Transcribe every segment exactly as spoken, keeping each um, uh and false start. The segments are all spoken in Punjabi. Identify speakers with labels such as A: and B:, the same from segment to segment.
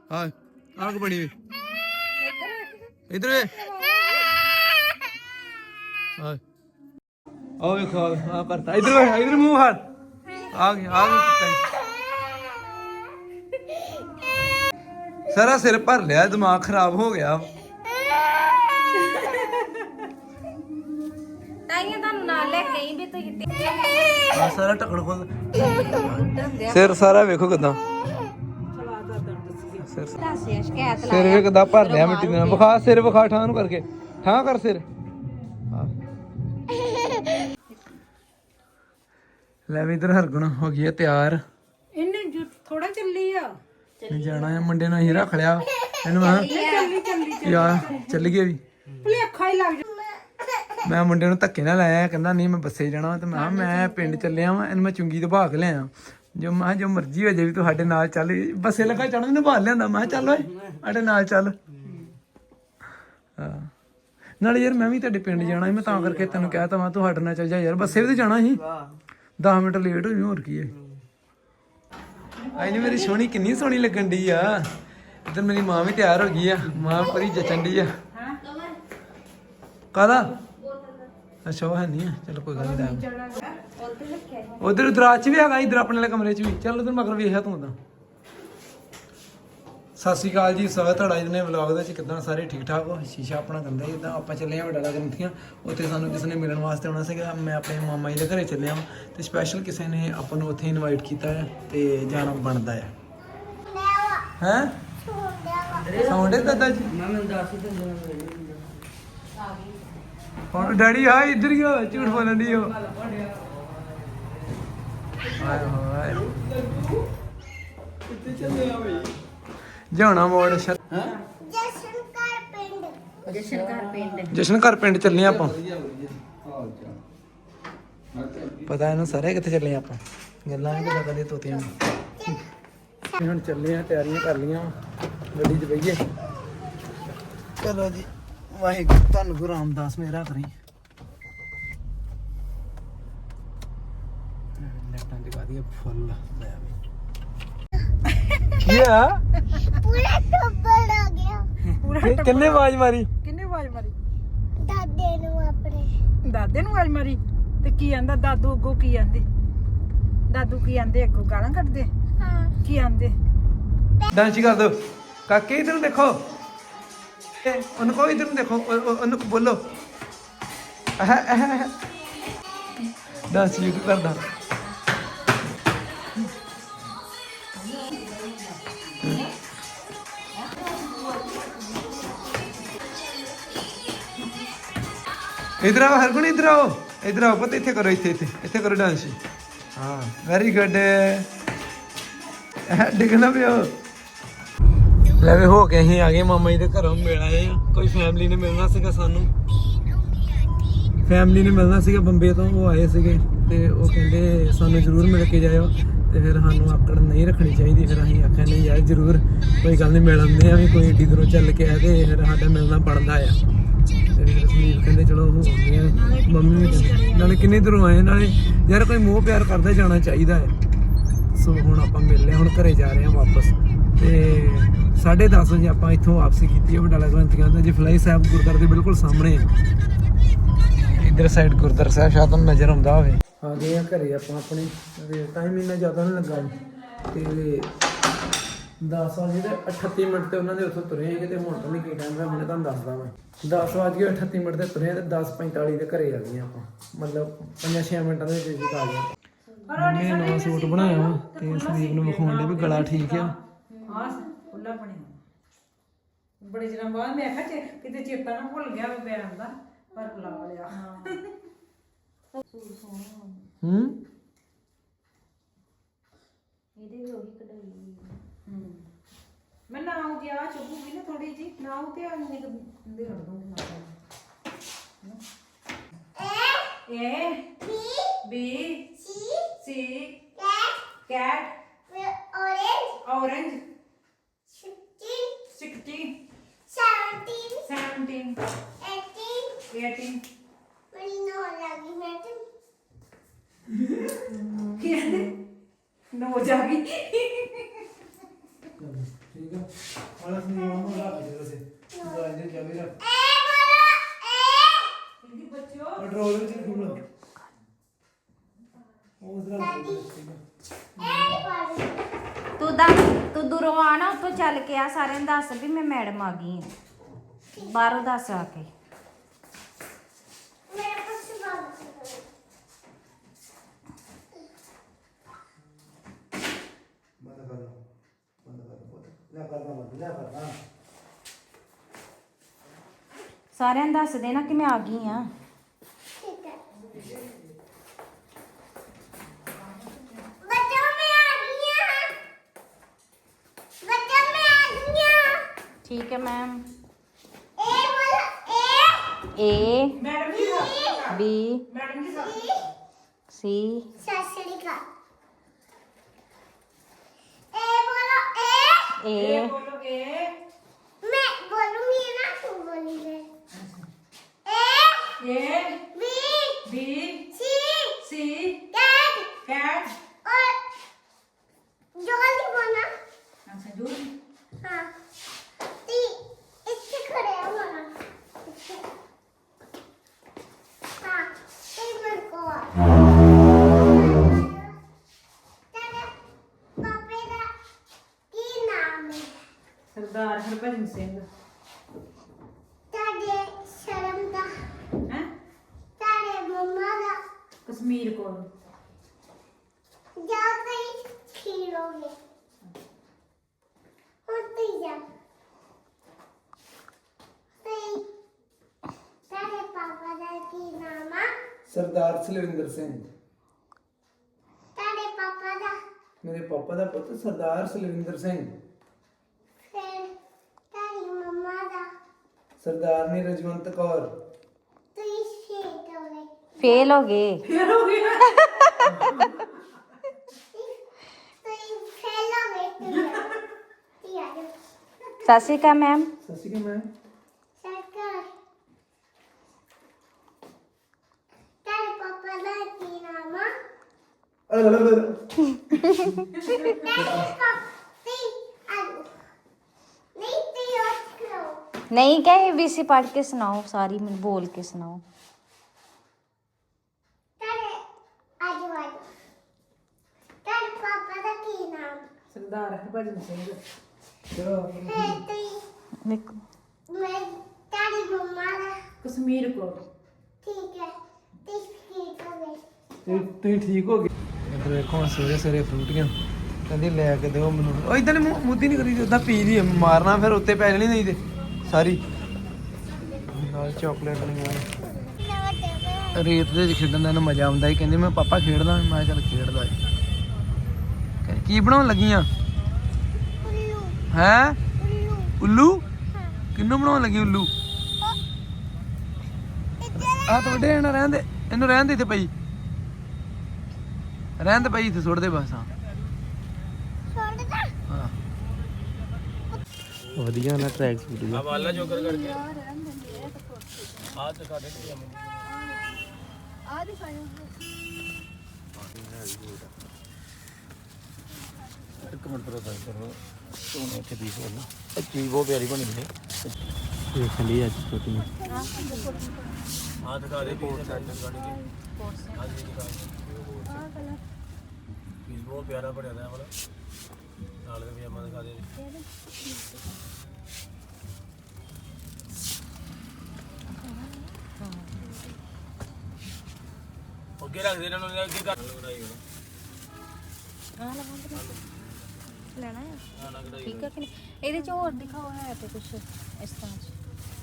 A: ਆ ਆਗ ਬਣੀ ਵੇ ਇਧਰ ਵੇ ਆ ਆ ਵੇਖੋ ਆ ਕਰਤਾ ਇਧਰ ਵੇ ਇਧਰ ਮੂੰਹ ਹੱਥ ਆ ਗਿਆ ਆ ਗਿਆ ਸਾਰਾ ਸਿਰ ਭਰ ਲਿਆ ਦਿਮਾਗ ਖਰਾਬ ਹੋ ਗਿਆ
B: ਤਾਈਆਂ ਤੁਹਾਨੂੰ ਨਾਲ ਲੈ ਕੇ ਆਈ ਵੀ ਤੁਸੀਂ
A: ਆ ਸਾਰਾ ਟਕੜ ਖੋਲ ਸਿਰ ਸਾਰਾ ਵੇਖੋ ਕਿਦਾਂ ਸਿਰ
B: ਦੱਸਿਆ ਸ਼ਿਕਾਇਤ ਲਾ
A: ਸਿਰ ਵੇ ਕਿਦਾਂ ਭਰ ਲਿਆ ਮਿੱਟੀ ਨਾਲ ਵਿਖਾ ਸਿਰ ਵਿਖਾ ਠਾਂ ਨੂੰ ਕਰਕੇ ਠਾਂ ਕਰ ਸਿਰ ਲੈ ਵੀ ਇਧਰ ਹਰਗੁਣ ਹੋ ਗਈ ਹੈ ਤਿਆਰ
C: ਇਹਨੇ ਥੋੜਾ ਚੱਲੀ ਆ
A: ਜਾਣਾ ਹੈ ਮੁੰਡੇ ਨੂੰ ਅਸੀਂ ਰੱਖ ਲਿਆ ਇਹਨੂੰ ਮੈਂ
C: ਚੱਲੀ ਚੱਲੀ
A: ਯਾਰ ਚੱਲ ਗਏ ਵੀ
C: ਭੁਲੇਖਾ ਹੀ ਲੱਗ ਜਾ
A: ਮੈਂ ਮੁੰਡੇ ਨੂੰ ਧੱਕੇ ਨਾਲ ਲਾਇਆ ਕਹਿੰਦਾ ਨਹੀਂ ਮੈਂ ਬੱਸੇ ਜਾਣਾ ਤੇ ਮੈਂ ਮੈਂ ਪਿੰਡ ਚੱਲਿਆ ਵਾਂ ਇਹਨੂੰ ਮੈਂ ਚੁੰਗੀ ਤੋਂ ਭਾਗ ਲਿਆ ਜੋ ਮੈਂ ਜੋ ਮਰਜ਼ੀ ਹੋ ਜਾਏ ਵੀ ਤੁਹਾਡੇ ਨਾਲ ਚੱਲ ਬੱਸੇ ਲੱਗਾ ਚੜਨ ਨੂੰ ਭਾਲ ਲਿਆਂਦਾ ਮੈਂ ਚੱਲ ਓਏ ਸਾਡੇ ਨਾਲ ਚੱਲ ਹਾਂ ਨਾਲੇ ਯਾਰ ਮੈਂ ਵੀ ਤੁਹਾਡੇ ਪਿੰਡ ਜਾਣਾ ਸੀ ਮੈਂ ਤਾਂ ਕਰਕੇ ਤੈਨੂੰ ਕਹਿ ਤਾ ਮੈਂ ਤੁਹਾਡੇ ਨਾਲ ਚੱਲ ਜਾ ਯਾਰ ਬੱਸੇ ਵੀ ਤੇ ਜਾਣਾ ਸੀ ਦਸ ਮਿੰਟ ਲੇਟ ਹੋ ਜੂ ਹੋਰ ਕੀ ਹੈ ਆਈ ਨੀ ਮੇਰੀ ਸੋਹਣੀ ਕਿੰਨੀ ਸੋਹਣੀ ਲੱਗਣ ਡਈ ਆ ਇੱਧਰ ਮੇਰੀ ਮਾਂ ਵੀ ਤਿਆਰ ਹੋ ਗਈ ਆ ਮਾਂ ਪਰੀ ਜਚਣ ਡਈ ਆ ਕਾਹਦਾ ਅੱਛਾ ਉਹ ਹੈ ਨਹੀਂ ਆ ਚਲੋ ਕੋਈ ਗੱਲ ਨਹੀਂ ਉਧਰ ਦਰਾਜ ਚ ਵੀ ਹੈਗਾ ਇਧਰ ਆਪਣੇ ਵਾਲੇ ਕਮਰੇ ਚ ਵੀ ਚੱਲ ਉਧਰ ਮਗਰ ਵੇਖਿਆ ਤੂੰ ਤਾਂ ਸਤਿ ਸ਼੍ਰੀ ਅਕਾਲ ਜੀ ਸਵਾਗਤ ਤੁਹਾਡਾ ਇਹਨੇ ਵਲੌਗ ਦੇ ਵਿੱਚ ਕਿੱਦਾਂ ਸਾਰੇ ਠੀਕ ਠਾਕ ਹੋ ਸ਼ੀਸ਼ਾ ਆਪਣਾ ਗੰਦਾ ਜਿੱਦਾਂ ਆਪਾਂ ਚੱਲੇ ਆ ਵੱਡਾ ਗ੍ਰੰਥੀਆਂ ਉੱਥੇ ਸਾਨੂੰ ਕਿਸੇ ਨੇ ਮਿਲਣ ਵਾਸਤੇ ਆਉਣਾ ਸੀਗਾ ਮੈਂ ਆਪਣੇ ਮਾਮਾ ਜੀ ਦੇ ਘਰੇ ਚੱਲਿਆ ਹਾਂ ਤੇ ਸਪੈਸ਼ਲ ਕਿਸੇ ਨੇ ਆਪਾਂ ਨੂੰ ਉੱਥੇ ਇਨਵਾਈਟ ਕੀਤਾ ਹੈ ਤੇ ਜਾਣਾ ਬਣਦਾ ਹੈ ਹੈ ਸੌਂਡੇ ਦਾਦਾ ਜੀ ਮੈਂ ਮੈਨੂੰ ਦੱਸ ਹੀ ਦਿੰਦਾ ਹੁਣ ਡੈਡੀ ਆ ਇੱਧਰ ਹੀ ਹੋ ਝੂਠ ਬੋਲਣ ਦੀ ਹੋ ਹਾਏ ਹਾਏ ਕਿੱਥੇ ਚੱਲੇ ਆ ਬਈ ਜਾਣਾ ਮੋੜ ਹੈ
B: ਜਸ਼ਨ ਘਰ ਪਿੰਡ ਜਸ਼ਨ ਘਰ ਪਿੰਡ
A: ਜਸ਼ਨ ਘਰ ਪਿੰਡ ਚੱਲੇ ਆਪਾਂ ਪਤਾ ਇਹਨੂੰ ਸਾਰੇ ਕਿੱਥੇ ਚੱਲੇ ਆਪਾਂ ਗੱਲਾਂ ਨਹੀਂ ਪਤਾ ਕਦੇ ਤੋਤੀਆਂ ਨੂੰ ਹੁਣ ਚੱਲੇ ਆ ਤਿਆਰੀਆਂ ਕਰ ਲੀਆਂ ਗੱਡੀ 'ਚ ਬਈਏ ਚਲੋ ਜੀ ਵਾਹਿਗੁਰੂ ਧੰਨ ਗੁਰੂ ਰਾਮਦਾਸ ਮੇਰਾ ਕਰੀ ਲੈਟਾਂ ਜਗਾ ਦੀ ਫੁੱਲ ਲੈ ਵੀ ਕੀ ਆ
B: ਪੂਰਾ ਟੱਬਰ ਆ ਗਿਆ
A: ਕਿੰਨੇ ਆਵਾਜ਼ ਮਾਰੀ
C: ਕਿੰਨੇ ਆਵਾਜ਼ ਮਾਰੀ
B: ਦਾਦੇ ਨੂੰ ਆਪਣੇ
C: ਦਾਦੇ ਨੂੰ ਆਵਾਜ਼ ਮਾਰੀ ਤੇ ਕੀ ਆਂਦਾ ਦਾਦੂ ਅੱਗੋਂ ਕੀ ਆਂਦੇ ਦਾਦੂ ਕੀ ਆਂਦੇ ਅੱਗੋਂ ਗਾਲਾਂ ਕੱਢਦੇ
B: ਹਾਂ
C: ਕੀ ਆਂਦੇ
A: ਡਾਂਸ ਕਰ ਦੋ ਕਾਕੇ ਇਧਰ ਨੂੰ ਦੇਖੋ ਇਹ ਉਹਨੂੰ ਕਹੋ ਇਧਰ ਨੂੰ ਦੇਖੋ ਉਹ- ਉਹ- ਉਹਨੂੰ ਬੋਲੋ ਡਾਂਸ ਯੂ ਕਰਦਾ ਇਧਰ ਆਓ ਹਰਗੁਣ ਇਧਰ ਆਓ ਇਧਰ ਆਓ ਪਤਾ ਇੱਥੇ ਕਰੋ ਇੱਥੇ ਇੱਥੇ ਇੱਥੇ ਕਰੋ ਡਾਂਸ ਹਾਂ ਵੈਰੀ ਗੁੱਡ ਡਿੱਗਣਾ ਪਿਓ ਲੈ ਵੇ ਹੋ ਕੇ ਅਸੀਂ ਆ ਗਏ ਮਾਮਾ ਜੀ ਦੇ ਘਰੋਂ ਮਿਲ ਆਏ ਆ ਕੋਈ ਫੈਮਿਲੀ ਨੇ ਮਿਲਣਾ ਸੀਗਾ ਸਾਨੂੰ ਫੈਮਿਲੀ ਨੇ ਮਿਲਣਾ ਸੀਗਾ ਬੰਬੇ ਤੋਂ ਉਹ ਆਏ ਸੀਗੇ ਤੇ ਉਹ ਕਹਿੰਦੇ ਸਾਨੂੰ ਜ਼ਰੂਰ ਮਿਲ ਕੇ ਜਾਇਓ ਤੇ ਫਿਰ ਸਾਨੂੰ ਆਕੜ ਨਹੀਂ ਰੱਖਣੀ ਚਾਹੀਦੀ ਫਿਰ ਅਸੀਂ ਆਖਿਆ ਨਹੀਂ ਯਾਰ ਜ਼ਰੂਰ ਕੋਈ ਗੱਲ ਨਹੀਂ ਮਿਲ ਆਉਂਦੇ ਆ ਵੀ ਕੋਈ ਏਡੀ ਦੂਰੋਂ ਚੱਲ ਕੇ ਆਏ ਤੇ ਫਿਰ ਸਾਡਾ ਮਿਲਣਾ ਬਣਦਾ ਆ ਤੇ ਫਿਰ ਸੁਨੀਲ ਕਹਿੰਦੇ ਚਲੋ ਉਹ ਆਉਂਦੇ ਆ ਮੰਮੀ ਵੀ ਕਹਿੰਦੇ ਨਾਲੇ ਕਿੰਨੇ ਦੂਰੋਂ ਆਏ ਨਾਲੇ ਯਾਰ ਕੋਈ ਮੋਹ ਪਿਆਰ ਕਰਦਾ ਜਾਣਾ ਚਾਹੀਦਾ ਹੈ ਸੋ ਹੁਣ ਆਪਾਂ ਮਿਲ ਲਿਆ ਹੁਣ ਘਰੇ ਜਾ ਰਹੇ ਹਾਂ ਵਾਪਸ ਤੇ ਸਾਢੇ ਦਸ ਵਜੇ ਆਪਾਂ ਇੱਥੋਂ ਵਾਪਸੀ ਕੀਤੀ ਹੈ ਬਟਾਲਾ ਗ੍ਰੰਥੀਆਂ ਦਾ ਜਫਲਾਈ ਸਾਹਿਬ ਗੁਰਦੁਆਰੇ ਦੇ ਬਿਲਕੁਲ ਸਾਹਮਣੇ ਇੱਧਰ ਸਾਈਡ ਗੁਰਦੁਆਰਾ ਸਾਹਿਬ ਸ਼ਾਇਦ ਤੁਹਾਨੂੰ ਨਜ਼ਰ ਆਉਂਦਾ ਹੋਵੇ ਆ ਗਏ ਆ ਘਰੇ ਆਪਾਂ ਆਪਣੇ ਟਾਈਮ ਇੰਨਾ ਜ਼ਿਆਦਾ ਨਹੀਂ ਲੱਗਾ ਤੇ ਦਸ ਵਜੇ ਤੇ ਅਠੱਤੀ ਮਿੰਟ ਤੇ ਉਹਨਾਂ ਦੇ ਉੱਥੋਂ ਤੁਰੇ ਹੈਗੇ ਤੇ ਹੁਣ ਤਾਂ ਨਹੀਂ ਕੀ ਟਾਈਮ ਹੈ ਮੈਂ ਤੁਹਾਨੂੰ ਦੱਸਦਾ ਮੈਂ ਦਸ ਵਜੇ ਕੇ ਅਠੱਤੀ ਮਿੰਟ ਤੇ ਤੁਰੇ ਤੇ ਦਸ ਪੈਂਤਾਲੀ ਦੇ ਘਰੇ ਆ ਗਏ ਆਪਾਂ ਮਤਲਬ ਪੰਜਾਂ ਛੇ ਮਿੰਟਾਂ ਦੇ ਵਿੱਚ ਆ ਗਏ ਮੈਂ ਨਵਾਂ ਸੂਟ ਬਣਾਇਆ ਵਾ ਤੇ ਸੰਦੀਪ ਨੂੰ ਵਿਖਾਉਣ ਦੇ ਵੀ ਗਲਾ ਠੀਕ ਆ
C: ਹਾਂ ਖੁੱਲਾ ਬਣਿਆ ਬੜੇ ਦਿਨਾਂ ਬਾਅਦ ਮੈਂ ਆਖਿਆ ਕਿਤੇ ਚੇਤਾ ਨਾ ਭੁੱਲ ਗਿਆ ਵੀ ਬੈਨ ਦਾ ਪਰ ਬੁਲਾ ਲਿਆ
A: ਹੂੰ
B: ਇਹਦੇ ਵੀ ਉਹੀ ਕਢਾਈ
C: ਹੂੰ ਮੈਂ ਨਾ ਹੋ ਗਿਆ ਚੁੱਪੂਗੀ ਨਾ ਥੋੜੀ ਜੀ ਨਾ ਹੋ ਤੇ ਆ ਨਿਕ ਦੇ ਰੜ ਦੂੰਗੀ ਨਾ A B C C cat
B: orange
C: orange
B: sixteen
C: sixteen
B: seventeen
C: seventeen
B: eighteen
C: eighteen
B: ਮੇਰੀ ਨੌ ਲੱਗੀ ਮੈਂ ਤੇ
C: ਕੀ ਕਹਿੰਦੇ ਨੋ ਜਾ ਗਈ
A: ਠੀਕ ਆ ਵਾਲਾ ਸੀ ਉਹ ਰੱਖ ਦੇ ਵਸੇ ਦਵਾਈ ਦੇ ਚਾਬੀ ਰੱਖ
C: ਕਿੰਦੀ ਬੱਚਿਓ
A: ਕੰਟਰੋਲ ਵਿੱਚ ਰੱਖੂਗਾ ਉਹ ਜ਼ਰਾ
D: ਤੂੰ ਦਾ ਤੂੰ ਦੂਰੋਂ ਆ ਨਾ ਉੱਥੋਂ ਚੱਲ ਕੇ ਆ ਸਾਰਿਆਂ ਨੂੰ ਦੱਸ ਵੀ ਮੈਂ ਮੈਡਮ ਆ ਗਈ ਆ ਬਾਹਰੋਂ ਦੱਸ ਆ ਕੇ
B: मेरा कुछ बात
A: ਬੰਦ ਕਰ ਲਓ ਬੰਦ ਕਰ ਲਓ ਲੈ ਕਰਦਾ ਮਤ ਲੈ ਕਰਦਾ
D: ਸਾਰਿਆਂ ਨੂੰ ਦੱਸ ਦੇਣਾ ਕਿ ਮੈਂ ਆ ਗਈ ਆ
B: ठीक है बच्चों मैं आ गई हूं बच्चों मैं आ गई हूं
D: ਠੀਕ ਹੈ ਮੈਮ
B: ए बोलो ए
D: ਏ
C: ਮੈਡਮ ਜੀ ਸਤਿ
D: ਬੀ
C: ਮੈਡਮ ਜੀ ਸਤਿ
D: ਸੀ
B: ससुरिका ए बोलो ए
D: ਏ
C: ਇਹ ਬੋਲੋ ਇਹ
B: मैं बोलूंगी ना तू बोलेगी ए
C: ਇਹ
B: B
C: B
B: C
C: C
B: cat
C: cat
B: और जल्दी बोलना
C: ਅੱਛਾ ਜੂਰ
B: हाँ ती इससे खड़े हो बोलना इससे हाँ ती मेरे को तेरे पापे का की नाम है
C: ਸਰਦਾਰ ਹਰਭਜਨ ਸਿੰਘ
B: तेरे शर्म का
C: ਹੈ
B: तेरे मम्मा का
C: ਕਸ਼ਮੀਰ ਕੋਲ
B: जाओ कहीं खीरोगे होते जा तेरे तेरे पापा का की नाम है
A: ਸਰਦਾਰ ਸਲਵਿੰਦਰ ਸਿੰਘ
B: तेरे पापा का
A: ਮੇਰੇ ਪਾਪਾ ਦਾ ਪੁੱਤ ਸਰਦਾਰ ਸਲਵਿੰਦਰ ਸਿੰਘ
B: फिर तेरी मम्मा का
A: ਸਰਦਾਰਨੀ ਰਜਵੰਤ ਕੌਰ
B: तू शेट हो गए
D: ਫੇਲ ਹੋ ਗਏ
C: ਫੇਰ ਹੋ ਗਿਆ
B: तू फेल हो गए तू तू आ जा
D: ਸਤਿ ਸ਼੍ਰੀ ਅਕਾਲ ਮੈਮ
A: ਸਤਿ ਸ਼੍ਰੀ ਅਕਾਲ ਮੈਂ
B: सरकार तेरे पापा का की नाम है
D: ਨਹੀਂ ਕਹੇ ਵੀ ਸੀ ਪੜ੍ਹ ਕੇ ਸੁਣਾਓ ਸਾਰੀ ਮੈਨੂੰ ਬੋਲ ਕੇ ਸੁਣਾਓ
C: ਸਰਦਾਰ ਹਰਭਜਨ ਸਿੰਘ
D: ਦੇਖੋ
C: ਕਸ਼ਮੀਰ ਕੋਲ
A: ਤੁਸੀਂ ਠੀਕ ਹੋ ਗਏ ਇੱਧਰ ਵੇਖੋ ਹੁਣ ਸਵੇਰੇ ਸਵੇਰੇ ਫਰੂਟੀਆਂ ਕਹਿੰਦੀ ਲੈ ਕੇ ਦਿਓ ਮੈਨੂੰ ਉਹ ਇਦਾਂ ਨੇ ਮੁੱਦੀ ਨਹੀਂ ਕਰੀ ਉਦਾਂ ਪੀ ਲਈ ਮਾਰਨਾ ਫਿਰ ਉੱਤੇ ਪੈ ਜਾਣੀ ਨਹੀਂ ਤੇ ਸਾਰੀ ਨਾਲ ਚਾਕਲੇਟ ਲਈਆਂ ਰੇਤ ਦੇ ਵਿੱਚ ਖੇਡਣ ਦਾ ਇਹਨੂੰ ਮਜ਼ਾ ਆਉਂਦਾ ਹੀ ਕਹਿੰਦੀ ਮੈਂ ਪਾਪਾ ਖੇਡਦਾ ਮੈਂ ਕਿਹਾ ਚੱਲ ਖੇਡਦਾ ਏ ਕਹਿੰਦੀ, ਕੀ ਬਣਾਉਣ ਲੱਗੀਆਂ ਹੈ ਉੱਲੂ ਕਿੰਨੂੰ ਬਣਾਉਣ ਲੱਗੀ ਉੱਲੂ ਆ ਤੁਹਾਡੇ ਇਹਨਾਂ ਰਹਿਣ ਦੇ ਇਹਨੂੰ ਰਹਿਣ ਦੇ ਇੱਥੇ ਪਈ ਰਹਿਣ ਦੇ ਪਈ ਇੱਥੇ ਸੁੱਟ ਦੇ ਬਸ ਹਾਂ ਹਾਂ ਵਧੀਆ ਨਾ ਟਰੈਕ ਸੂਟ ਆ ਵਾਲਾ ਜੋਕਰ ਕਰਕੇ ਆ ਦਿਖਾ ਦੇ
B: ਆ ਦਿਖਾਓ
A: ਇੱਕ ਮਿੰਟ ਰੁਕੋ ਕਰੋ ਸੋਨੇ ਇੱਥੇ ਦੀ ਹੋਣਾ ਇਹ ਚੀਜ਼ ਬਹੁਤ ਪਿਆਰੀ ਬਣੀ ਹੈ ਦੇਖ ਲਈ ਅੱਜ ਛੋਟੀ ਆ ਦਿਖਾ ਦੇ ਕੋਟ ਸੈਟ ਕੱਢ ਕੇ ਆ ਜੀ ਦਿਖਾ ਆ ਕਲਰ ਪੀਸ ਬਹੁਤ ਪਿਆਰਾ ਬਣਿਆ ਦਾ ਵਾਲਾ ਨਾਲ ਦੇ ਪਜਾਮਾ ਦਿਖਾ ਦੇ ਅੱਗੇ ਰੱਖ ਦੇ ਇਹਨਾਂ ਨੂੰ ਅੱਗੇ ਕਰ ਲਗਾਈ
D: ਆ ਲਵਾਂ ਲੈਣਾ ਹੈ ਠੀਕ ਹੈ ਕਿ ਨਹੀਂ ਇਹਦੇ ਚ ਹੋਰ ਦਿਖਾਓ ਹੈ ਤੇ ਕੁਝ ਇਸ ਤਰ੍ਹਾਂ ਚ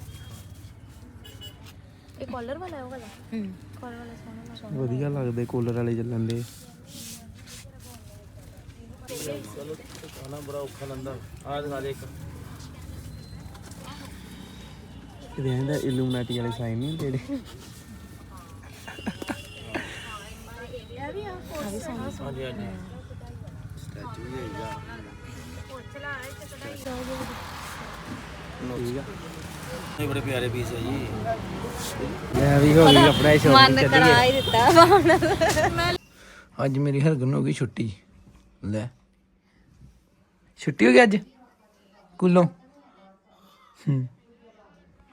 D: ਇਹ ਕਾਲਰ ਵਾਲਾ ਹੈ ਉਹ ਵਾਲਾ ਹੂੰ ਕਾਲਰ ਵਾਲਾ ਸੋਹਣਾ ਸੋਹਣਾ
A: ਵਧੀਆ ਲੱਗਦੇ ਕੂਲਰ ਵਾਲੇ ਚੱਲਣ ਦੇ ਚਲੋ ਖਾਣਾ ਬੜਾ ਔਖਾ ਲੰਦਾ ਆ ਦਿਖਾ ਦੇ ਇੱਕ ਇਹਦੇ ਇਹਦਾ ਇਲੂਮੀਨਾਟੀ ਵਾਲੇ ਸਾਈਨ ਨਹੀਂ ਜਿਹੜੇ ਹਾਂਜੀ ਹਾਂਜੀ ਸਟੈਚੂ ਵੀ ਹੈਗਾ ਠੀਕ ਆ ਇਹ ਬੜੇ ਪਿਆਰੇ ਪੀਸ ਹੈ ਜੀ ਮੈਂ ਵੀ ਹੋ ਗਈ ਆਪਣਾ ਹੀ ਸ਼ੌਕ
D: ਮਨ ਕਰਾ ਹੀ ਦਿੱਤਾ
A: ਅੱਜ ਮੇਰੀ ਹਰਗਨ ਹੋ ਗਈ ਛੁੱਟੀ ਲੈ ਛੁੱਟੀ ਹੋ ਗਈ ਅੱਜ ਸਕੂਲੋਂ ਹੂੰ